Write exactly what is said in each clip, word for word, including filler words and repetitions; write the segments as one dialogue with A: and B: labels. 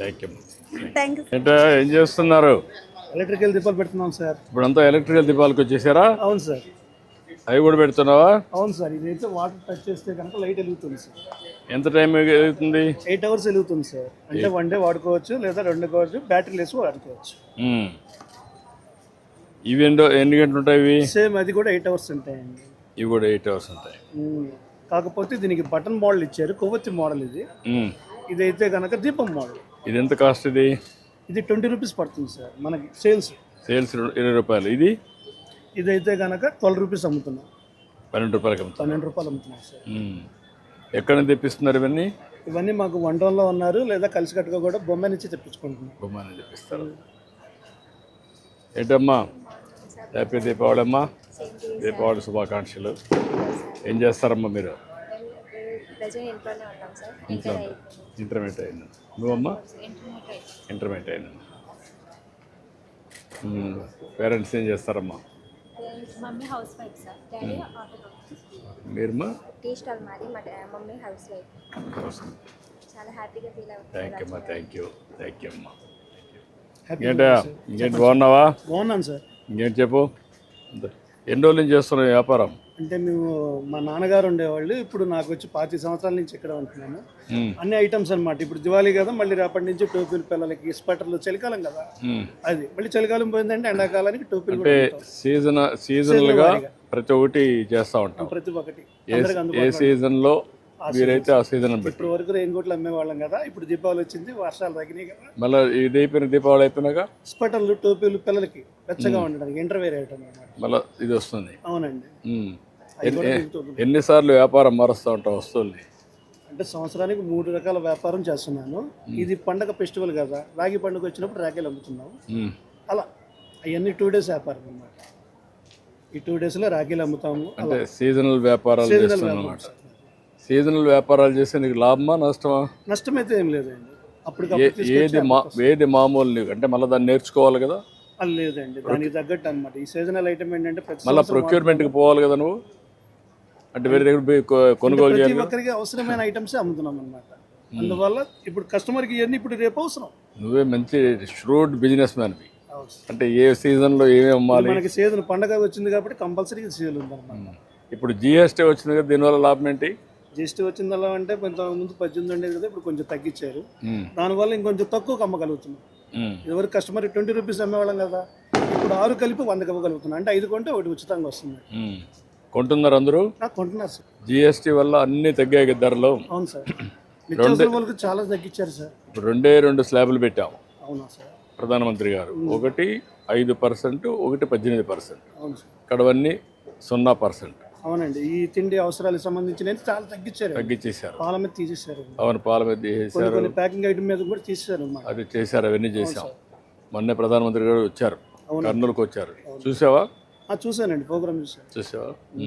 A: Thank you.
B: Thank you.
A: ఏంటో ఏం చేస్తున్నారు?
C: ఎలక్ట్రికల్ దీపాలు పెడుతున్నాం సార్.
A: ఇప్పుడంతా ఎలక్ట్రికల్ దీపాలకు వచ్చేసారా?
C: అవును సార్.
A: అవి కూడా పెడుతున్నావా?
C: అవును సార్. ఇదైతే వాటర్ టచ్ చేస్తే కనుక లైట్ వెలుగుతుంది సార్.
A: ఎంత టైం వెలుగుతుంది?
C: ఎయిట్ అవర్స్ వెలుగుతుంది సార్. అంటే వన్ డే వాడుకోవచ్చు లేదా రెండు కావచ్చు, బ్యాటరీ లేసి వాడుకోవచ్చు.
A: ఇవి ఎన్నో ఎన్ని గంటలు ఉంటాయి? ఇవి
C: సేమ్ అది కూడా ఎయిట్ అవర్స్ ఉంటాయండి.
A: ఇవి కూడా ఎయిట్ అవర్స్ ఉంటాయి.
C: కాకపోతే దీనికి బటన్ మోడల్ ఇచ్చారు, కొవ్వొత్తి మోడల్ ఇది. ఇదైతే కనుక దీపం మోడల్.
A: ఇది ఎంత కాస్ట్? ఇది
C: ఇది ట్వంటీ రూపీస్ పడుతుంది సార్ మనకి సేల్స్.
A: సేల్స్ ఇరవై రూపాయలు. ఇది
C: ఇదైతే కనుక ట్వెల్వ్ రూపీస్ అమ్ముతున్నాం.
A: పన్నెండు రూపాయలకి అమ్ముతాం.
C: పన్నెండు రూపాయలు అమ్ముతున్నాం సార్.
A: ఎక్కడ నుంచి తెప్పిస్తున్నారు ఇవన్నీ?
C: ఇవన్నీ మాకు వన్ టౌన్లో ఉన్నారు, లేదా కలిసికట్టుగా కూడా బొమ్మ నుంచి తెప్పించుకుంటున్నాం.
A: బొమ్మ నుంచి తెప్పిస్తారు. ఏంటమ్మా, హ్యాపీ దీపావళి అమ్మా. దీపావళి శుభాకాంక్షలు. ఏం చేస్తారమ్మా మీరు? ఇంట్లో ఇంటర్మీడియట్ అయినా నువ్వమ్మా? ఇంటర్మీడియట్ అయినా. పేరెంట్స్ ఏం చేస్తారమ్మా?
D: Mummy housewife sir, daddy auto.
A: మీరమ్మా?
D: టీ స్టాల్ మాది, మా మమ్మీ హౌస్ వైఫ్. చాలా హ్యాపీగా ఫీల్ అవుతుంది.
A: థ్యాంక్ యూ అమ్మా. థ్యాంక్ యూ థ్యాంక్ యూ అమ్మా. ఇంకేంటా, ఇంకేంటి బాగున్నావా?
C: బాగున్నాను సార్.
A: ఇంకేంటి చెప్పు. ఎన్ని రోజుల నుంచి చేస్తున్నావు వ్యాపారం?
C: అంటే మేము మా నాన్నగారు ఉండేవాళ్ళు, ఇప్పుడు నాకు వచ్చి పాతి సంవత్సరాల నుంచి ఇక్కడ ఉంటున్నాను. అన్ని ఐటమ్స్ అనమాట. ఇప్పుడు దివాళీ కదా, మళ్ళీ రేపటి నుంచి టోపీలు పిల్లలకి, స్వెటర్లు, చలికాలం కదా అది. మళ్ళీ చలికాలం పోయిందంటే ఎండాకాలానికి టోపీలు.
A: అంటే సీజన్ సీజనల్ గా ప్రతి ఒక్కటి చేస్తా ఉంటాం.
C: ప్రతి ఒక్కటి
A: ఏ సీజన్ లో మీరైతే ఆ సీజన్
C: ఇప్పుడు వరకు రెయిన్ కోట్లు అమ్మేవాళ్ళం కదా. ఇప్పుడు దీపావళి వచ్చింది, వర్షాలు తగ్గినాయి కదా.
A: మళ్ళీ ఇది అయిపోయిన దీపావళి అయిపోయినాక
C: స్వెటర్లు, టోపీలు పిల్లలకి వెచ్చగా ఉండడానికి ఇంటర్వేర్ ఐటమ్ అనమాట.
A: మళ్ళీ ఇది వస్తుంది.
C: అవునండి.
A: ఎన్నిసార్లు వ్యాపారం మారుస్తూ ఉంటాం వస్తువుల్ని?
C: అంటే సంవత్సరానికి మూడు రకాల వ్యాపారం చేస్తున్నాను. ఇది పండగ ఫెస్టివల్ కదా, రాగి పండుగ వచ్చినప్పుడు రాఖీలు అమ్ముతున్నాము. అలా అవన్నీ టూ డేస్ వ్యాపారం అన్నమాట. ఈ టూ డేస్ లో రాఖీలు అమ్ముతాము.
A: అంటే సీజనల్ వ్యాపారాలు చేస్తున్నాం అన్నమాట. సీజనల్ వ్యాపారాలు చేస్తే నీకు లాభమా నష్టమా?
C: నష్టం అయితే ఏం లేదండి. అప్పుడు
A: ఏది మా ఏది మామూలు నీకు అంటే మళ్ళీ దాన్ని నేర్చుకోవాలి కదా?
C: అది లేదండి, దానికి తగ్గట్టు అనమాట. ఈ సీజనల్ ఐటమ్ ఏంటంటే
A: మళ్ళీ ప్రొక్యూర్మెంట్కి పోవాలి కదా నువ్వు. అంటే వేరే దగ్గర పోయి కొనుగోలు చేయాలి.
C: ప్రతి ఒక్కరికి అవసరమైన ఐటమ్స్ అమ్ముతున్నాం అనమాట. అందువల్ల ఇప్పుడు కస్టమర్కి ఇవన్నీ ఇప్పుడు రేపు అవసరం.
A: నువ్వే మంచి ష్రూడ్ బిజినెస్ మ్యాన్వి. అంటే ఏ సీజన్లో ఏమేమి అమ్మాలి?
C: మనకి సీజన్ పండగ వచ్చింది కాబట్టి కంపల్సరీ సీజన్ ఉందన్నమాట.
A: ఇప్పుడు జిఎస్టీ వచ్చింది కదా, దీనివల్ల లాభం ఏంటి?
C: జిఎస్టీ వచ్చిందల్లా అంటే కొంత ముందు పద్దెనిమిది ఉండేది కదా, ఇప్పుడు కొంచెం తగ్గించారు. దానివల్ల ఇంకొంచెం తక్కువ అమ్మగలుగుతున్నాం. ఎవరికి కస్టమర్ ట్వంటీ రూపీస్ అమ్మేవాళ్ళం కదా, ఇప్పుడు ఆరు కలిపి వందకి ఇవ్వగలుగుతున్నాం. అంటే ఐదు కొంటే ఒకటి ఉచితంగా వస్తుంది.
A: కొంటున్నారు అందరూ?
C: కొంటున్నారు సార్.
A: జిఎస్టీ వల్ల అన్ని తగ్గాయి ధరలు.
C: అవును సార్. నిత్యావసర వాళ్ళకి చాలా తగ్గించారు సార్.
A: ఇప్పుడు రెండే రెండు స్లాబ్లు పెట్టాము.
C: అవునా సార్?
A: ప్రధానమంత్రి గారు ఒకటి ఐదు పర్సెంట్ ఒకటి పద్దెనిమిది పర్సెంట్
C: అవును సార్.
A: ఇక్కడవన్నీ సున్నా పర్సెంట్.
C: అవునండి. ఈ తిండి అవసరాలకు సంబంధించిన చాలా తగ్గించారు.
A: తగ్గించేశారు.
C: పాల మీద తీసేశారు.
A: అవును, పాల మీద తీసేశారు.
C: కొన్ని ప్యాకింగ్ ఐటమ్ మీద కూడా తీసేశారు.
A: అది చేశారు, అవన్నీ చేసాం. మొన్నే ప్రధానమంత్రి గారు వచ్చారు, కర్నూలుకు వచ్చారు. చూసావా?
C: చూసానండి, ప్రోగ్రామ్ చూసాను.
A: చూసావా?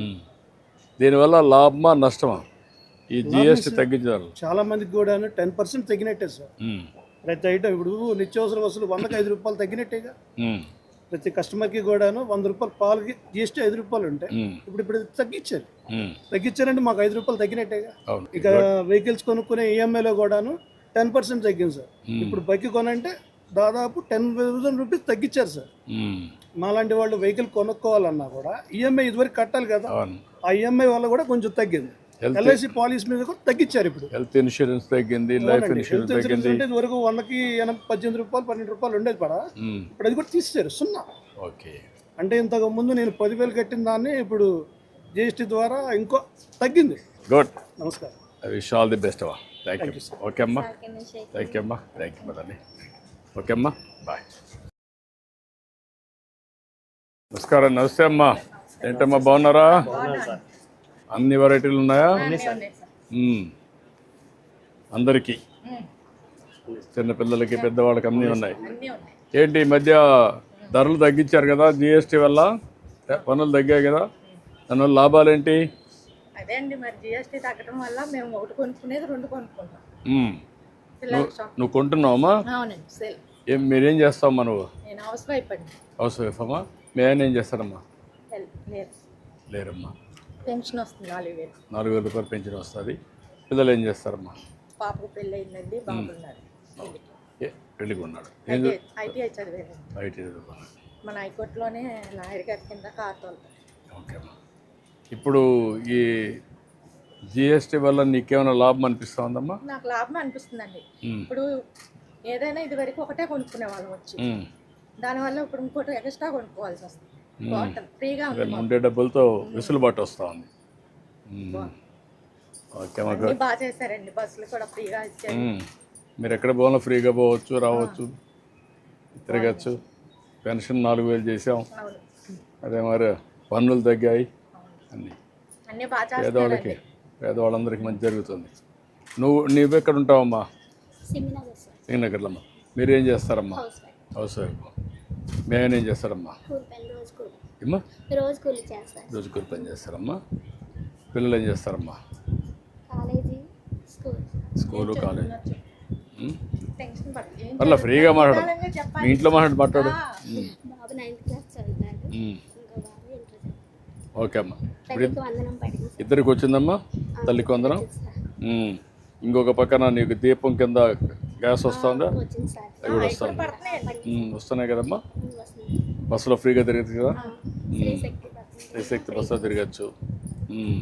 A: దీనివల్ల లాభమా నష్టమా ఈ జిఎస్టీ తగ్గించారు?
C: చాలా మందికి కూడా టెన్ పర్సెంట్ తగ్గినట్టే సార్. ప్రతి ఐటమ్ ఇప్పుడు నిత్యావసర వస్తువులు వందకి ఐదు రూపాయలు తగ్గినట్టేగా. ప్రతి కస్టమర్కి కూడాను వంద రూపాయలు పాలకి జిఎస్టీ ఐదు రూపాయలు ఉంటాయి. ఇప్పుడు ఇప్పుడు తగ్గించారు. తగ్గించారంటే మాకు ఐదు రూపాయలు తగ్గినట్టేగా. ఇక వెహికల్స్ కొనుక్కునే ఈఎంఐలో కూడాను టెన్ పర్సెంట్ తగ్గింది సార్. ఇప్పుడు బైక్ కొనంటే దాదాపు టెన్ థౌసండ్ రూపీస్ తగ్గించారు సార్. మాలాంటి వాళ్ళు వెహికల్ కొనుక్కోవాలన్నా కూడా ఈఎంఐ ఇదివరకు కట్టాలి కదా, ఆ ఈఎంఐ వల్ల కూడా కొంచెం తగ్గింది. ఎల్ఐసి పాలసీ మీద కూడా తగ్గించారు. ఇప్పుడు
A: హెల్త్ ఇన్సూరెన్స్ తగ్గింది, లైఫ్ ఇన్సూరెన్స్ తగ్గింది.
C: అంటే ఇదివరకు వందకి పద్దెనిమిది రూపాయలు పన్నెండు రూపాయలు ఉండేది పడా, ఇప్పుడు అది కూడా తీసేశారు సున్నా.
A: ఓకే.
C: అంటే ఇంతకు ముందు నేను పదివేలు కట్టిన దాన్ని ఇప్పుడు జిఎస్టీ ద్వారా ఇంకో తగ్గింది.
A: గుడ్.
C: నమస్కారం.
A: I wish all the best అమ్మా. Thank you. ఓకే అమ్మా. థ్యాంక్ యూ అమ్మా. థ్యాంక్ యూ మదండి. ఓకే అమ్మా, బాయ్. నమస్కారం. నమస్తే అమ్మా. ఏంటమ్మా బాగున్నారా? అన్ని వెరైటీలు ఉన్నాయా? అందరికీ, చిన్నపిల్లలకి పెద్దవాళ్ళకి అన్నీ ఉన్నాయి. ఏంటి ఈ మధ్య ధరలు తగ్గించారు కదా జిఎస్టీ వల్ల, పనులు తగ్గాయి కదా, దానివల్ల లాభాలు ఏంటి?
E: అదే అండి, మరి జిఎస్టీ తగ్గడం వల్ల మేము ఒకటి కొనుక్కునేది రెండు కొనుక్కుంటాం.
A: నువ్వు కొంటున్నావమ్మా?
E: అవునండి. సేల్.
A: ఏం మీరేం చేస్తావమ్మా నువ్వు?
E: నేను హౌస్ వైఫ్ అండి.
A: హౌస్ వైఫ్ అమ్మా. మీ ఆయన ఏం చేస్తారమ్మా? లేరమ్మా.
E: పెన్షన్ వస్తుంది నాలుగు వేలు.
A: నాలుగు వేల రూపాయలు పెన్షన్ వస్తుంది. పిల్లలు ఏం చేస్తారమ్మా?
E: పాపకు పెళ్ళి అయిందండి, బాబు ఉన్నారు.
A: పెళ్ళికి ఉన్నాడు.
E: ఐటీఐ చదివారు.
A: ఐటీ చదువుకున్నాడు.
E: మన హైకోర్టులోనే లాయర్ గారి కింద కార్ తోలుతారు.
A: ఓకే అమ్మా. ఇప్పుడు ఈ జిఎస్టీ వల్ల నీకేమైనా లాభం అనిపిస్తా ఉందమ్మా?
E: నాకు లాభం అనిపిస్తుందండి. ఇప్పుడు ఏదైనా ఇది వరకు ఒకటే కొనుక్కునే వాళ్ళం వచ్చి, దానివల్ల ఇప్పుడు ఇంకోటి ఎక్స్ట్రా కొనుక్కోవాల్సి వస్తుంది. బాగుంటుంది, ఫ్రీగా ఉంది.
A: ఉండే డబ్బులతో వెసులుబాటు వస్తూ ఉంది. ఓకే అమ్మా.
E: అన్నీ బాగా చేశారండి. బస్సులు కూడా ఫ్రీగా ఇచ్చారు.
A: మీరు ఎక్కడ పోవాలో ఫ్రీగా పోవచ్చు, రావచ్చు, తిరగచ్చు. పెన్షన్ నాలుగు వేలు చేసాం.
E: అవును,
A: అదే మరి పన్నులు తగ్గాయి. అన్నీ
E: అన్నీ బాగా
A: పేదవాళ్ళకి
E: చేస్తారండి.
A: పేదవాళ్ళందరికీ మంచి జరుగుతుంది. నువ్వు నువ్వు ఎక్కడ ఉంటావమ్మా?
D: సింగనగర్ సార్.
A: సింగనగర్లో అమ్మా. మీరేం చేస్తారమ్మా?
D: Housewife.
A: Housewife. మేమేం చేస్తారమ్మా?
D: కూలి పని, రోజు కూలి.
A: ఏమ్మా?
D: రోజు కూలి చేస్తారు.
A: రోజు కూలి పని చేస్తారమ్మా. పిల్లలు ఏం చేస్తారమ్మా?
D: College, school.
A: School, college.
E: Tension పడదు. ఏం
A: అట్లా ఫ్రీగా మాట్లాడు.
E: చేయాలని చెప్పాలి.
A: మీ ఇంట్లో మాట్లాడు మాట్లాడు.
D: బాబు నైన్త్ క్లాస్ చదువుతాడు. ఇంకో బాబు ఇంటర్ చదువుతాడు.
A: ఓకే అమ్మా. ఇప్పుడు
D: తల్లికి వందనం పడింది సార్.
A: ఇద్దరికి వచ్చిందమ్మా తల్లికి వందనం.
D: సార్.
A: ఉమ్. ఇంకొక పక్కన నీకు దీపం కింద గ్యాస్ వస్తుందా?
D: వచ్చింది సార్.
A: అవి కూడా వస్తుంది.
E: పడుతున్నాయండి.
A: ఉమ్, వస్తున్నాయి కదమ్మా.
D: వస్తుంది.
A: బస్సులో ఫ్రీగా తిరగచ్చు కదా.
D: శ్రీశక్తి పడుతుంది.
A: శ్రీశక్తి బస్సులో తిరగచ్చు. ఉమ్.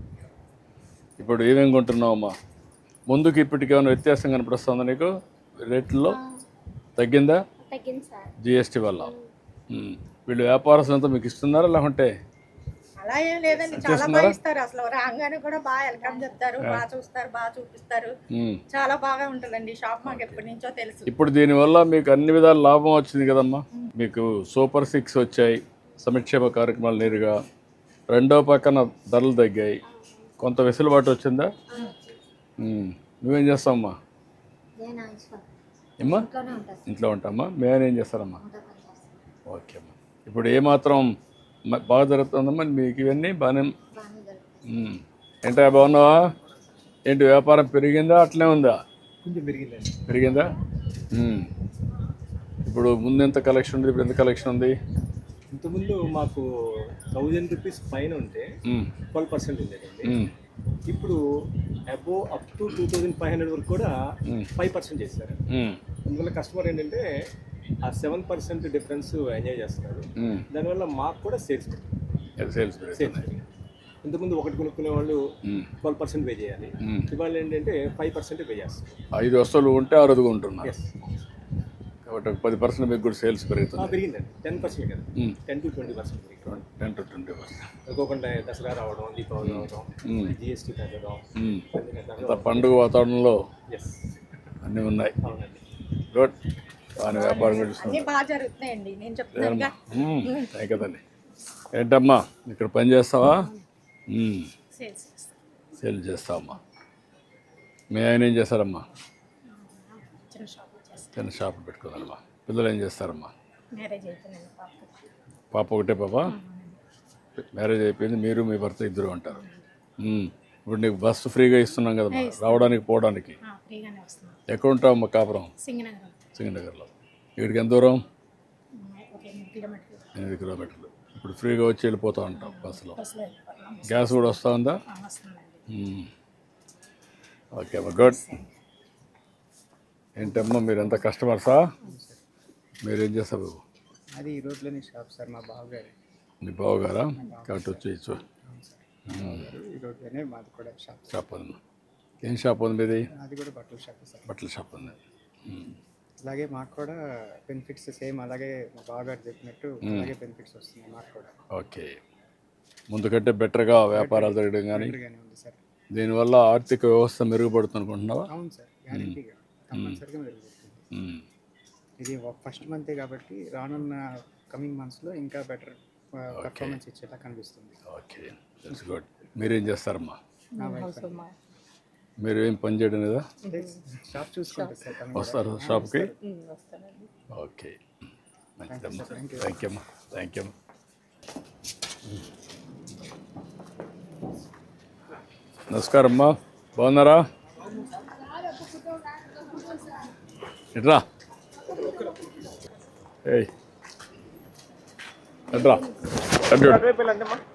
A: ఇప్పుడు ఏమేమి కొంటున్నావమ్మా? ముందుకి ఇప్పటికి ఏమైనా వ్యత్యాసం కనపడుస్తుందా నీకు? రేట్లలో తగ్గిందా
D: తగ్గింది సార్.
A: జిఎస్టీ వల్ల? ఉమ్. వీళ్ళు వ్యాపారస్తులంతా మీకు ఇస్తున్నారా లేకుంటే?
E: అలా ఏం లేదండి, చాలా బాగా ఇస్తారు. అసలు రాగానే కూడా బాగా వెల్కమ్ చెప్తారు, బాగా చూస్తారు, బాగా చూపిస్తారు.
A: ఉమ్.
E: చాలా బాగా ఉంటుందండి షాప్. మాకు ఎప్పటి నుంచో తెలుసు.
A: ఇప్పుడు దీనివల్ల మీకు అన్ని విధాల లాభం వచ్చింది కదమ్మా. మీకు సూపర్ సిక్స్ వచ్చాయి, సంక్షేమ కార్యక్రమాలు నేరుగా. రెండో పక్కన ధరలు తగ్గాయి, కొంత వెసులుబాటు వచ్చిందా? ఉమ్. నువ్వేం చేస్తావమ్మా? ఏమ్మా? ఇంట్లో ఉంటామా. మేమేం చేస్తారమ్మా? ఓకే అమ్మా. ఇప్పుడు ఏమాత్రం మ- బాగా జరుగుతుందమ్మా మీకు ఇవన్నీ? బాగానే. ఉమ్. ఏంటా బాగున్నావా? ఏంటి వ్యాపారం పెరిగిందా అట్లే ఉందా?
C: కొంచెం పెరిగిందండి.
A: పెరిగిందా? ఉమ్. ఇప్పుడు ముందు ఎంత కలెక్షన్ ఉంది, ఇప్పుడు ఎంత కలెక్షన్ ఉంది?
B: ఇంతకుముందు మాకు థౌజండ్ రూపీస్ పైన ఉంటే
A: ఉమ్.
B: ట్వెల్వ్ పర్సెంట్ ఉండేదండి.
A: ఉమ్.
B: ఇప్పుడు above up to two thousand five hundred వరకు కూడా ఫైవ్ పర్సెంట్ చేస్తారు.
A: ఉమ్.
B: అందువల్ల కస్టమర్ ఏంటంటే ఆ సెవెన్ పర్సెంట్ డిఫరెన్స్ ఎంజాయ్ చేస్తున్నారు.
A: ఉమ్.
B: దానివల్ల మాకు కూడా సేల్స్
A: అది సేల్స్ పెరుగుతుంది.
B: ఇంతకుముందు ఒకటి కొనుక్కునే వాళ్ళు
A: ఉమ్.
B: ట్వెల్వ్ పర్సెంట్ పే చేయాలి.
A: ఉమ్.
B: ఇవాళ ఏంటంటే ఫైవ్ పర్సెంట్ పే చేస్తారు.
A: ఐదు వస్తువులు ఉంటే అరుదుగా ఉంటున్నారు.
B: ఎస్
A: కాబట్టి ఒక పది పర్సెంట్ మీకు కూడా సేల్స్ పెరుగుతుంది.
B: పెరిగిందండి. టెన్ పర్సెంట్ కదా,
A: um.
B: Ten to twenty percent పెరిగింది.
A: Ten to twenty percent.
B: అనుకోకుండా దసరా రావడం, దీపావళి రావడం,
A: ఉమ్.
B: జిఎస్టీ తగ్గడం.
A: ఉమ్. అంత పండుగ వాతావరణంలో
B: ఎస్
A: అన్నీ ఉన్నాయి.
B: అవునండి.
A: గుడ్. దాని వ్యాపారం కూడా
E: అన్నీ
A: చూస్తున్నాం.
E: బాగా జరుగుతున్నాయండి. నేను చెప్తున్నానుగా.
A: థ్యాంక్ కదండి. ఏంటమ్మా ఇక్కడ పని చేస్తావా? ఉమ్.
E: సేల్స్ చేస్తాం.
A: సేల్ చేస్తావమ్మా. మీ ఆయన ఏం చేస్తారమ్మా?
E: చిన్న షాప్ చేస్తాం.
A: చిన్న షాప్ పెట్టుకుందమ్మా. పిల్లలు ఏం చేస్తారమ్మా?
E: మ్యారేజ్ అయిపోయిందండి పాపకి.
A: పాప ఒకటే పాప? మ్యారేజ్ అయిపోయింది. మీరు మీ భర్త ఇద్దరు ఉంటారు. ఉమ్. ఇప్పుడు నీకు బస్సు ఫ్రీగా ఇస్తున్నాం కదమ్మా రావడానికి పోవడానికి.
E: ఆ, ఫ్రీగానే వస్తున్నాం.
A: ఎక్కడ ఉంటావమ్మా కాపురం?
E: సింగనగర్
A: సింగనగర్లో. ఇక్కడికి ఎంత దూరం?
E: ఒక ఎనిమిది కిలోమీటర్లు
A: ఎనిమిది కిలోమీటర్లు. ఇప్పుడు ఫ్రీగా వచ్చి వెళ్ళిపోతూ ఉంటాం బస్సులో.
E: బస్సులో వెళ్ళిపోతున్నాం.
A: గ్యాస్ కూడా వస్తూ ఉందా?
E: ఆ, వస్తుందండి.
A: మ్మ్. ఓకే అమ్మా. గుడ్. ఏంటమ్మా మీరు ఎంత కస్టమర్సా? మీరేం చేస్తారు?
F: అది ఈ రోడ్లోని షాప్ సార్, మా బావగారు.
A: మీ బావగారా? కాబట్టి వచ్చి చూ
F: ఈ రోడ్లోనే మాది కూడా షాప్.
A: షాప్ ఉంది. ఏం షాప్ ఉంది మీది?
F: అది కూడా బట్టల షాప్ సార్.
A: బట్టల షాప్ ఉంది. మ్మ్.
F: అలాగే మాకు కూడా బెనిఫిట్స్ సేమ్ అలాగే మా బావగారు చెప్పినట్టు అలాగే బెనిఫిట్స్ వస్తున్నాయి మాకు కూడా.
A: ఓకే. ముందు కంటే బెటర్గా వ్యాపారాలు జరగడం కానీ
F: బెటర్గానే ఉంది సార్.
A: దీనివల్ల ఆర్థిక వ్యవస్థ మెరుగుపడుతుంది అనుకుంటున్నావా?
F: అవును సార్, గ్యారంటీగా కంపల్సరీగా మెరుగుపడుతుంది.
A: మ్మ్.
F: ఇది ఫస్ట్ మంతే కాబట్టి రానున్న కమింగ్ మంత్స్లో ఇంకా బెటర్ పర్ఫార్మెన్స్ ఇచ్చేలా కనిపిస్తుంది.
A: Okay, that's good. మీరేం చేస్తారమ్మా?
F: నా వైఫ్
A: మీరు ఏం పని చేయడం లేదా?
F: షాప్ చూసుకుంటారు సార్. coming
A: వస్తారు షాప్కి?
E: వస్తానండి.
A: ఓకే, మంచిదమ్మా. థ్యాంక్ యూ అమ్మా. థ్యాంక్ యూ అమ్మా. నమస్కారం అమ్మా, బాగున్నారా? ఎట్రా ఏయ్ ఎట్రా అడ్డు